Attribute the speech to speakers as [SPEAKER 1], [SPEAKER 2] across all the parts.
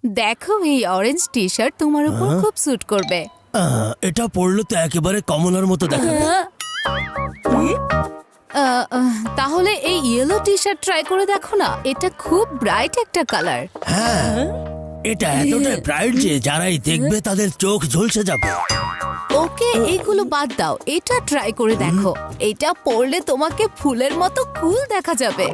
[SPEAKER 1] দেখো এই orange T shirt তোমার উপর খুব স্যুট করবে।
[SPEAKER 2] এটা পরলে তো একেবারে কমলার মতো দেখাবে।
[SPEAKER 1] তাহলে এই ইয়েলো টি শার্ট ট্রাই করে দেখো না, এটা খুব ব্রাইট একটা কালার।
[SPEAKER 2] হ্যাঁ, এটা এতটাই ব্রাইট যে যারাই দেখবে তাদের চোখ ঝলসে যাবে।
[SPEAKER 1] ওকে, এইগুলো বাদ দাও, এটা ট্রাই করে দেখো। এটা পরলে তোমাকে ফুলের মতো কুল দেখা যাবে।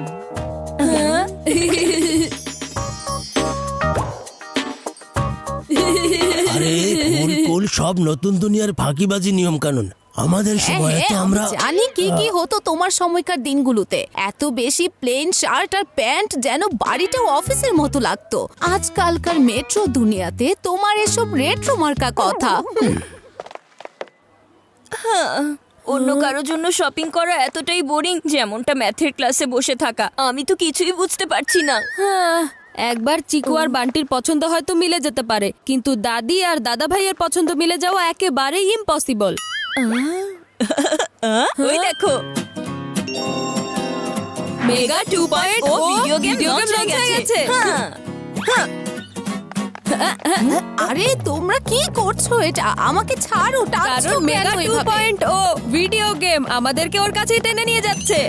[SPEAKER 2] আরে কুল কুল সব নতুন দুনিয়ার ফাঁকিবাজি নিয়ম কানুন। আমাদের সময় তো আমরা
[SPEAKER 1] জানি কি কি হতো তোমার সময়কার দিনগুলোতে। এত বেশি প্লেন শার্ট আর প্যান্ট যেন বাড়িটাও অফিসের মতো লাগতো। আজকালকার মেট্রো দুনিয়াতে তোমার এসব রেট্রো মার্কা কথা।
[SPEAKER 3] অন্য কারোর জন্য শপিং করা এতটাই বোরিং যেমনটা ম্যাথের ক্লাসে বসে থাকা। আমি তো কিছুই বুঝতে পারছি না।
[SPEAKER 4] একবার চিকু আর বান্টির পছন্দ হয়তো মিলে যেতে পারে, কিন্তু দাদি আর দাদা ভাইয়ের পছন্দ মিলে যাওয়া একেবারেই ইম্পসিবল।
[SPEAKER 3] ওই দেখো,
[SPEAKER 4] মেগা 2.0
[SPEAKER 3] ভিডিও গেম লঞ্চ হয়ে গেছে।
[SPEAKER 1] আরে তোমরা কি করছো? এটা আমাকে ছাড়ো।
[SPEAKER 4] কারণ মেগা 2.0 ভিডিও গেম আমাদেরকে ওর কাছেই টেনে নিয়ে যাচ্ছে।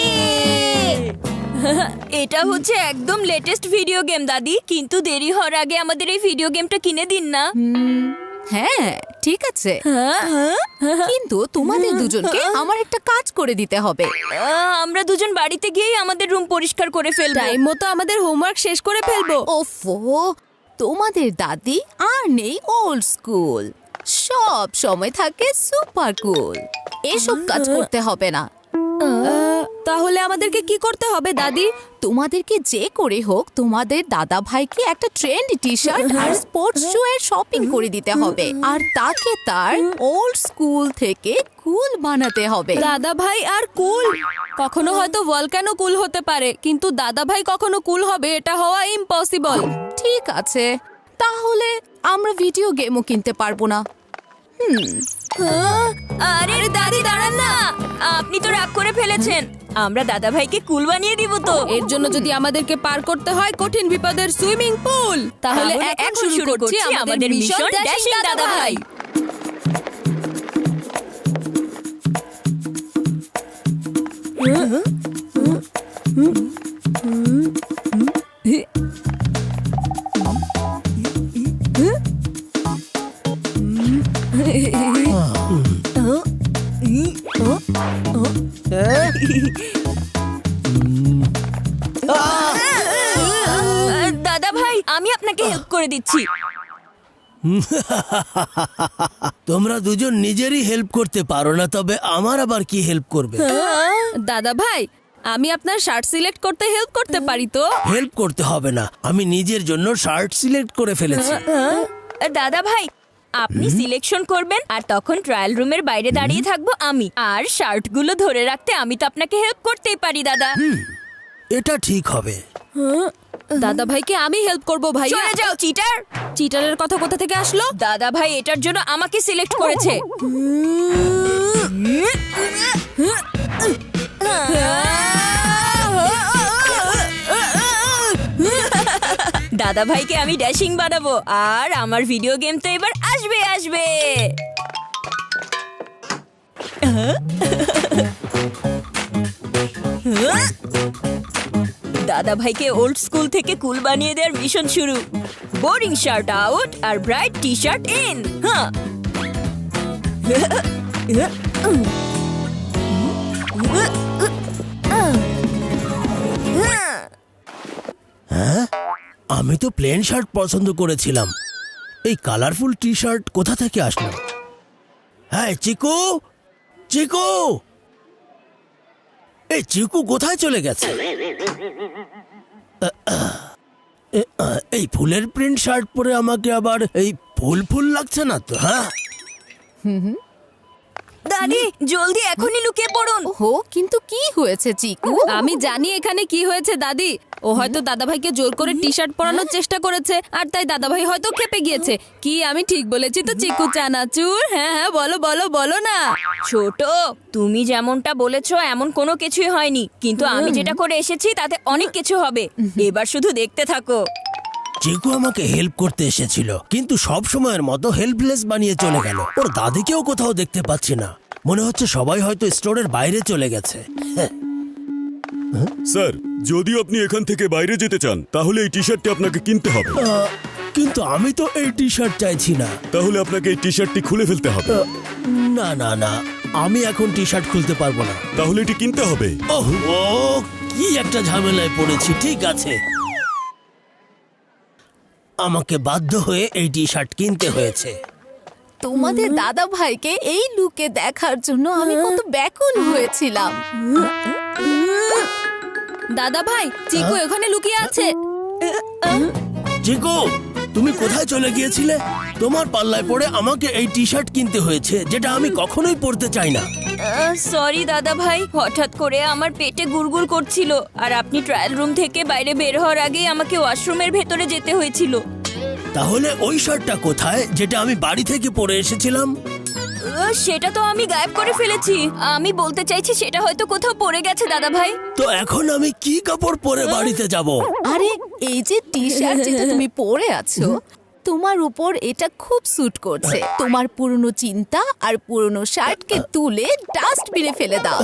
[SPEAKER 3] এটা হচ্ছে একদম লেটেস্ট ভিডিও গেম দাদি, কিন্তু দেরি হওয়ার আগে আমাদের এই ভিডিও গেমটা কিনে দিন না।
[SPEAKER 1] হ্যাঁ ঠিক আছে, কিন্তু তোমাদের দুজনকে আমার একটা কাজ করে দিতে হবে।
[SPEAKER 3] আমরা দুজন বাড়িতে গিয়ে আমাদের রুম পরিষ্কার করে ফেলবো।
[SPEAKER 4] টাইম মতো আমাদের হোমওয়ার্ক শেষ করে ফেলবো।
[SPEAKER 1] ওফো, তোমাদের দাদি আর নেই ওল্ড স্কুল, সব সময় থাকে সুপার কুল। এসব কাজ করতে হবে না।
[SPEAKER 4] তাহলে আমাদেরকে কি করতে হবে দাদি?
[SPEAKER 1] তোমাদেরকে যে করে হোক তোমাদের দাদা ভাইকে একটা ট্রেন্ড টি শার্ট আর স্পোর্টস শু এর শপিং করে দিতে হবে, আর তাকে তার ওল্ড স্কুল থেকে কুল বানাতে হবে।
[SPEAKER 4] দাদা ভাই আর কুল? কখনো হয়তো ভলকানো কুল হতে পারে, কিন্তু দাদা ভাই কখনো কুল হবে এটা হওয়া ইম্পসিবল।
[SPEAKER 1] ঠিক আছে, তাহলে আমরা ভিডিও গেমও কিনতে পারবো না।
[SPEAKER 3] আরে দাদি দাঁড়ান না, আপনি তো রাগ করে ফেলেছেন। আমরা দাদা ভাইকে কুল বানিয়ে দিব তো।
[SPEAKER 4] এর জন্য যদি আমাদেরকে পার করতে হয় কঠিন বিপদের সুইমিং পুল, তাহলে এখন শুরু করছি আমাদের মিশন ড্যাশিং দাদা ভাই।
[SPEAKER 3] দাদা ভাই, আমি আপনাকে হেল্প করে দিচ্ছি।
[SPEAKER 2] তোমরা দুজন নিজেরই হেল্প করতে পারো না, তবে আমার আবার কি হেল্প করবে?
[SPEAKER 4] দাদা ভাই, আমি আপনার শার্ট সিলেক্ট করতে হেল্প করতে পারি তো?
[SPEAKER 2] হেল্প করতে হবে না, আমি নিজের জন্য শার্ট সিলেক্ট করে ফেলেছি।
[SPEAKER 3] দাদা ভাই, আপনি সিলেকশন করবেন আর তখন ট্রায়াল রুমের বাইরে দাঁড়িয়ে থাকবো আমি, আর শার্টগুলো ধরে রাখতে আমি তো আপনাকে হেল্প করতেই পারি দাদা।
[SPEAKER 2] এটা ঠিক হবে।
[SPEAKER 4] দাদা ভাইকে আমি হেল্প করব ভাই।
[SPEAKER 3] চলে যাও চিটার।
[SPEAKER 4] চিটারের কথা কোথা থেকে আসলো?
[SPEAKER 3] দাদা ভাই এটার জন্য আমাকে সিলেক্ট করেছে। দাদা ভাইকে আমি ড্যাশিং বানাবো, আর আমার ভিডিও গেম তো এবার আসবে আসবে। দাদা ভাইকে ওল্ড স্কুল থেকে কুল বানিয়ে দেওয়ার মিশন শুরু। বোরিং শার্ট আউট আর ব্রাইট টি শার্ট ইন।
[SPEAKER 2] আমি তো প্লেন শার্ট পছন্দ করেছিলাম, এই কালারফুল টি শার্ট কোথা থেকে আসলো? হ্যাঁ চিকু, চিকু, এই চিকু কোথায় চলে গেছে? এই ফুলের প্রিন্ট শার্ট পরে আমাকে আবার এই ফুল ফুল লাগছে না তো? হ্যাঁ
[SPEAKER 3] দাদি জলদি এখনই লুকিয়ে পড়ুন।
[SPEAKER 1] ওহো, কিন্তু কি হয়েছে চিকু?
[SPEAKER 4] আমি জানি এখানে কি হয়েছে দাদি। ও হয়তো দাদা ভাইকে জোর করে টি শার্ট পরানোর চেষ্টা করেছে, আর তাই দাদা ভাই হয়তো খেপে গিয়েছে। কি আমি ঠিক বলেছি তো চিকু চানাচুর? হ্যাঁ হ্যাঁ, বলো বলো বলো না।
[SPEAKER 3] ছোট, তুমি যেমনটা বলেছো এমন কোনো কিছুই হয়নি, কিন্তু আমি যেটা করে এসেছি তাতে অনেক কিছু হবে। এবার শুধু দেখতে থাকো।
[SPEAKER 2] চিকু আমাকে হেল্প করতে এসেছিল, কিন্তু সব সময়ের মতো হেল্পলেস বানিয়ে চলে গেল। ওর দাদিকেও কোথাও দেখতে পাচ্ছি না। মনে হচ্ছে সবাই হয়তো স্টোরের বাইরে চলে গেছে।
[SPEAKER 5] স্যার, যদি আপনি এখান থেকে বাইরে যেতে চান তাহলে এই টি শার্টটি আপনাকে কিনতে হবে।
[SPEAKER 2] কিন্তু আমি তো এই টি শার্ট চাইছি না।
[SPEAKER 5] তাহলে আপনাকে এই টি শার্টটি খুলে ফেলতে হবে।
[SPEAKER 2] না না না, আমি এখন টি শার্ট খুলতে পারবো না।
[SPEAKER 5] তাহলে এটি কিনতে হবে।
[SPEAKER 2] ওহ, কি একটা ঝামেলায় পড়েছি। ঠিক আছে, আমাকে বাধ্য হয়ে এই টি শার্ট কিনতে হয়েছে।
[SPEAKER 1] তোমাদের দাদা ভাইকে এই লুকে দেখার জন্য আমি কত ব্যাকুল হয়েছিলাম।
[SPEAKER 4] দাদা ভাই, চিকু এখানে লুকিয়ে আছে।
[SPEAKER 2] চিকু, তুমি কোথায় চলে গিয়েছিলে? তোমার পাল্লায় পড়ে আমাকে এই টি শার্ট কিনতে হয়েছে, যেটা আমি কখনোই পরতে চাই না।
[SPEAKER 3] সরি দাদা ভাই, হঠাৎ করে আমার পেটে গুড়গুড় করছিল আর আপনি ট্রায়াল রুম থেকে বাইরে বের হওয়ার আগেই আমাকে ওয়াশরুমের ভেতরে যেতে হয়েছিল।
[SPEAKER 2] তাহলে ওই শার্টটা কোথায়, যেটা আমি বাড়ি থেকে পরে এসেছিলাম?
[SPEAKER 3] সেটা তো আমি গায়েব করে ফেলেছি। আমি বলতে চাইছি সেটা হয়তো কোথাও পড়ে গেছে দাদা ভাই।
[SPEAKER 2] তো এখন আমি কি কাপড় পরে বাড়িতে যাব?
[SPEAKER 1] আরে এই যে টি শার্ট যেটা তুমি পরে আছো, তোমার উপর এটা খুব স্যুট করছে। তোমার পুরনো চিন্তা আর পুরনো শার্টকে তুলে ডাস্টবিনে ফেলে দাও।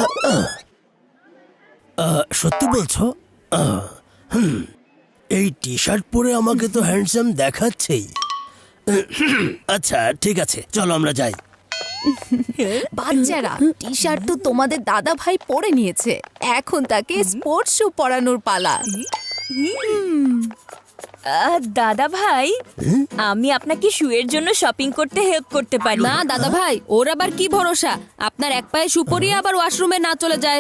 [SPEAKER 2] সত্যি বলছো? এই টি শার্ট পরে আমাকে তো হ্যান্ডসাম দেখাচ্ছেই। আচ্ছা ঠিক আছে, চলো আমরা যাই।
[SPEAKER 1] বাচ্চারা, টি শার্ট তো তোমাদের দাদা ভাই পরে নিয়েছে, এখন তাকে স্পোর্টস শু পরানোর পালা।
[SPEAKER 3] দাদা ভাই, আমি আপনাকে শুয়ের জন্য শপিং করতে হেল্প করতে পারি।
[SPEAKER 4] না দাদা ভাই, ওর আবার কি ভরসা আপনার এক পায়ে শু পরিয়ে আবার ওয়াশরুমে না চলে যায়।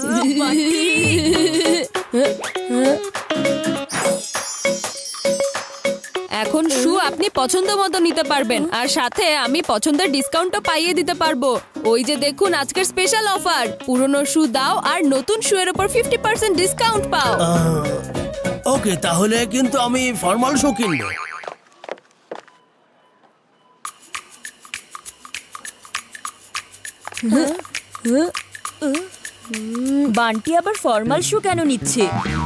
[SPEAKER 4] এখন শু আপনি পছন্দ মতো নিতে পারবেন, আর সাথে আমি পছন্দের ডিসকাউন্টও পাইয়ে দিতে পারবো। ওই যে দেখুন আজকের স্পেশাল অফার, পুরনো শু দাও আর নতুন শু এর উপর 50% ডিসকাউন্ট পাও।
[SPEAKER 2] ওকে, তাহলে কিন্তু আমি ফর্মাল শু কিনবো।
[SPEAKER 3] বান্টি আবার ফর্মাল শু কেন নিচ্ছে?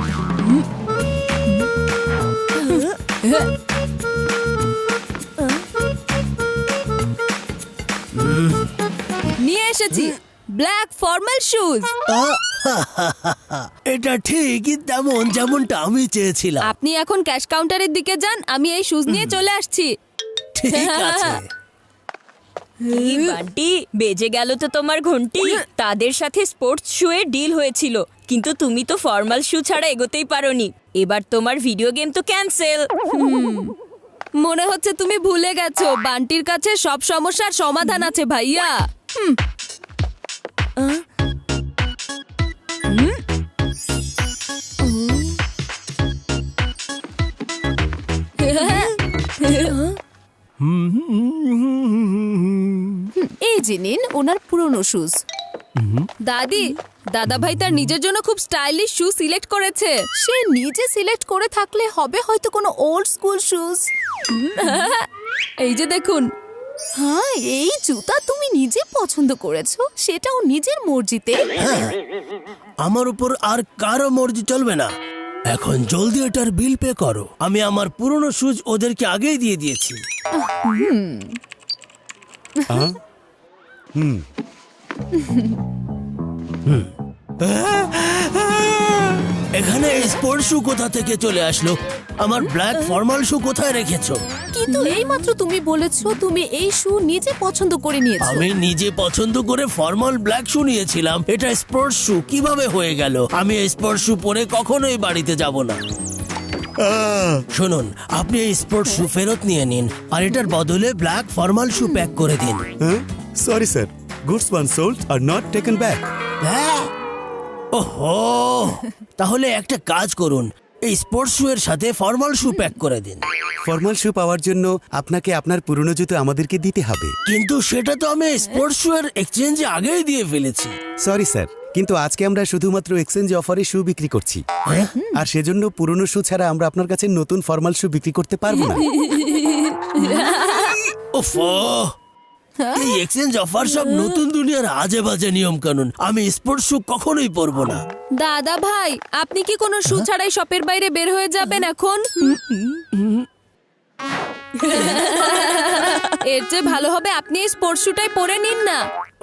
[SPEAKER 4] নিয়ে এসেছি ব্ল্যাক ফর্মাল শুজ।
[SPEAKER 2] এটা ঠিকই তেমন যেমনটা আমি চেয়েছিলাম।
[SPEAKER 4] আপনি এখন ক্যাশ কাউন্টারের দিকে যান, আমি এই শুজ নিয়ে চলে আসছি।
[SPEAKER 2] ঠিক আছে।
[SPEAKER 3] এই বান্টি, বেজে গেল তো তোমার ঘন্টি। তাদের সাথে স্পোর্টস শু এর ডিল হয়েছিল, কিন্তু তুমি তো ফর্মাল শু ছাড়া এগোতেই পারোনি। এবার তোমার ভিডিও গেম তো ক্যান্সেল।
[SPEAKER 4] মনে হচ্ছে তুমি ভুলে গেছো বান্টির কাছে সব সমস্যার সমাধান আছে ভাইয়া।
[SPEAKER 1] এই যে নিন ওনার পুরনো শুজ।
[SPEAKER 4] দাদি, দাদা ভাই তার নিজের জন্য খুব স্টাইলিশ শু সিলেক্ট করেছে।
[SPEAKER 1] সে নিজে সিলেক্ট করে থাকলে হবে হয়তো কোনো ওল্ড স্কুল শুজ।
[SPEAKER 4] এই যে দেখুন।
[SPEAKER 1] হ্যাঁ, এই জুতা তুমি নিজে পছন্দ করেছো, সেটাও নিজের মর্জিতে।
[SPEAKER 2] আমার উপর আর কারো মর্জি চলবে না। এখন জলদি এটার বিল পে করো। আমি আমার পুরনো শুজ ওদেরকে আগেই দিয়ে দিয়েছি। এখানে স্পোর্টস শু কোথা থেকে চলে আসলো? আমার ব্ল্যাক ফর্মাল শু কোথায় রেখেছো?
[SPEAKER 1] কিন্তু এইমাত্র তুমি বলেছো তুমি এই শু নিজে পছন্দ করে নিয়েছো।
[SPEAKER 2] আমি নিজে পছন্দ করে ফর্মাল ব্ল্যাক শু নিয়েছিলাম। এটা স্পোর্টস শু কিভাবে হয়ে গেল? আমি এই স্পোর্টস শু পরে কখনোই বাড়িতে যাব না। শুনুন, আপনি এই স্পোর্টস শু ফেরত নিয়ে নিন আর এটার বদলে ব্ল্যাক ফর্মাল শু প্যাক করে দিন।
[SPEAKER 5] Sorry sir, goods once sold are not taken back.
[SPEAKER 2] হ্যাঁ? ওহো, তাহলে একটা কাজ করুন, এই স্পোর্টস শু এর সাথে ফর্মাল শু প্যাক করে দিন।
[SPEAKER 6] ফর্মাল শু পাওয়ার জন্য আপনাকে আপনার পুরনো জুতো আমাদেরকে দিতে হবে।
[SPEAKER 2] কিন্তু সেটা তো আমি স্পোর্টস শু এর এক্সচেঞ্জে আগেই দিয়ে ফেলেছি।
[SPEAKER 6] সরি স্যার, কিন্তু আজকে আমরা শুধুমাত্র এক্সচেঞ্জ অফারে শু বিক্রি করছি, আর সেজন্য পুরনো শু ছাড়া আমরা আপনার কাছে নতুন ফর্মাল শু বিক্রি করতে পারবো না।
[SPEAKER 2] ওফো, এই এক্সচেঞ্জ অফার সব নতুন দুনিয়ার আজে বাজে নিয়ম কানুন। আমি স্পোর্টস শু কখনোই পরবো না।
[SPEAKER 4] দাদা ভাই, আপনি কি কোনো শু ছাড়াই শপের বাইরে বের হয়ে যাবেন এখন? এর চেয়ে ভালো হবে আপনি এই স্পোর্টস শুটাই পরে নিন না।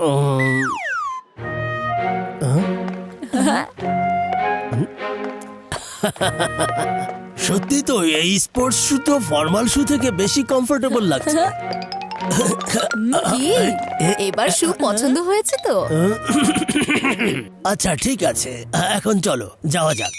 [SPEAKER 2] সত্যি তো এই স্পোর্টস শু তো ফর্মাল শু থেকে বেশি কমফোর্টেবল লাগছে।
[SPEAKER 1] কি এবার শু পছন্দ হয়েছে তো?
[SPEAKER 2] আচ্ছা ঠিক আছে, এখন চলো যাওয়া যাক।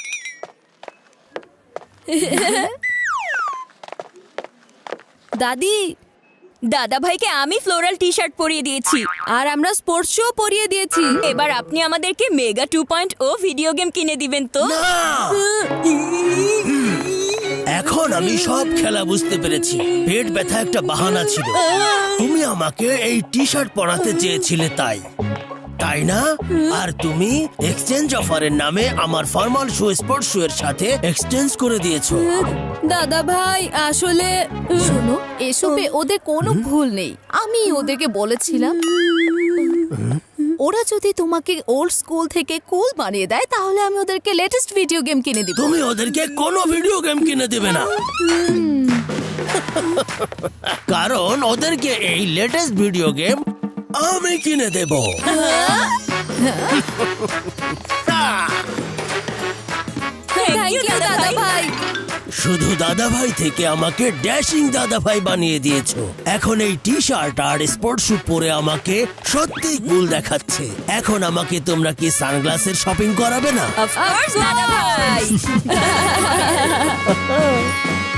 [SPEAKER 4] দাদি,
[SPEAKER 3] দাদা ভাইকে আমি ফ্লোরাল টি শার্ট পরিয়ে দিয়েছি,
[SPEAKER 4] আর আমরা স্পোর্টস শু পরিয়ে দিয়েছি।
[SPEAKER 3] এবার আপনি আমাদেরকে মেগা 2.0 ভিডিও গেম কিনে দিবেন তো?
[SPEAKER 2] না! এখন আমি সব খেলা বুঝতে পেরেছি। পেট ব্যথা একটা বাহানা ছিল। তুমি আমাকে এই টি শার্ট পরাতে চেয়েছিলে তাই না? আর তুমি এক্সচেঞ্জ অফারের নামে আমার ফর্মাল শু স্পোর্টস শু এর সাথে এক্সচেঞ্জ করে দিয়েছো।
[SPEAKER 4] দাদা ভাই আসলে
[SPEAKER 1] শোনো, এসবে ওদের কোনো ভুল নেই। আমি ওদেরকে বলেছিলাম ওরা যদি তোমাকে ওল্ড স্কুল থেকে কুল বানিয়ে দেয় তাহলে আমি ওদেরকে লেটেস্ট ভিডিও গেম কিনে দিব।
[SPEAKER 2] তুমি ওদেরকে কোনো ভিডিও গেম কিনে দেবে না, কারণ ওদেরকে এই লেটেস্ট ভিডিও গেম আমি কিনে দেব।
[SPEAKER 4] থ্যাংক ইউ দাদা ভাই।
[SPEAKER 2] শুধু দাদা ভাই থেকে আমাকে ড্যাশিং দাদা ভাই বানিয়ে দিয়েছো। এখন এই টি শার্ট আর স্পোর্টস শু পরে আমাকে সত্যিই কুল দেখাচ্ছে। এখন আমাকে তোমরা কি সানগ্লাসের শপিং করাবে না?
[SPEAKER 3] অফ কোর্স দাদা ভাই।